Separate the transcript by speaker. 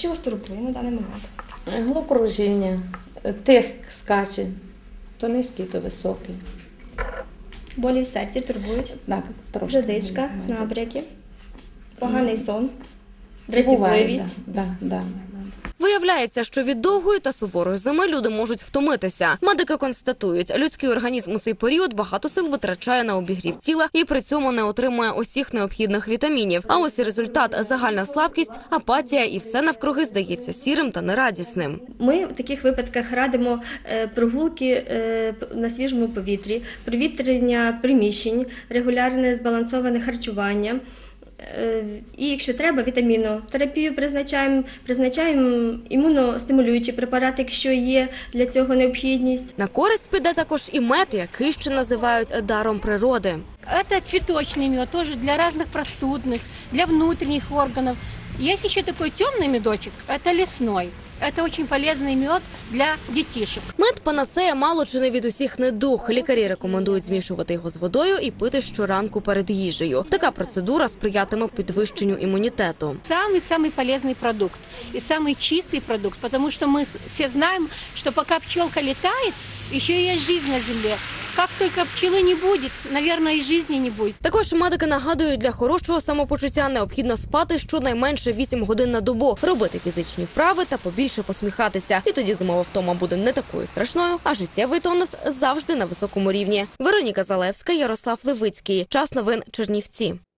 Speaker 1: що вас турбує на даний момент?
Speaker 2: Головокружіння, тиск скаче, то низький, то високий.
Speaker 1: Болі в серці турбують?
Speaker 2: Так, трошки.
Speaker 1: Задишка,
Speaker 2: Буває.
Speaker 1: набряки, поганий сон,
Speaker 2: Буває,
Speaker 1: дратівливість.
Speaker 2: да.
Speaker 3: Виявляється, що від довгої та суворої зими люди можуть втомитися. Медики констатують, людський організм у цей період багато сил витрачає на обігрів тіла і при цьому не отримує усіх необхідних вітамінів. А ось і результат – загальна слабкість, апатія і все навкруги здається сірим та нерадісним.
Speaker 1: Ми в таких випадках радимо прогулки на свіжому повітрі, провітрення приміщень, регулярне збалансоване харчування. І, якщо треба, вітамінну терапію призначаємо імуностимулюючі препарати, якщо є для цього необхідність.
Speaker 3: На користь піде також і мед, який ще називають даром природи.
Speaker 4: Это цветочный мед, тоже для разных простудных, для внутренних органов. Есть еще такой темный медочек, это лесной. Это очень полезный мед для детишек.
Speaker 3: Мед – панацея мало чи не від усіх недуг. Лікарі рекомендують змішувати його з водою і пити щоранку перед їжею. Така процедура сприятиме підвищенню імунітету.
Speaker 4: Самый-самый полезный продукт и самый чистый продукт, потому что мы все знаем, что пока пчелка летает, еще есть жизнь на земле. Как только пчелы не будет, наверное, и жизни не будет.
Speaker 3: Також медики нагадують, для хорошого самопочуття необхідно спати щонайменше 8 годин на добу, робити фізичні вправи та побільше посміхатися. І тоді зимова втома буде не такою страшною, а життєвий тонус завжди на високому рівні. Вероніка Залевська, Ярослав Левицький. Час новин Чернівці.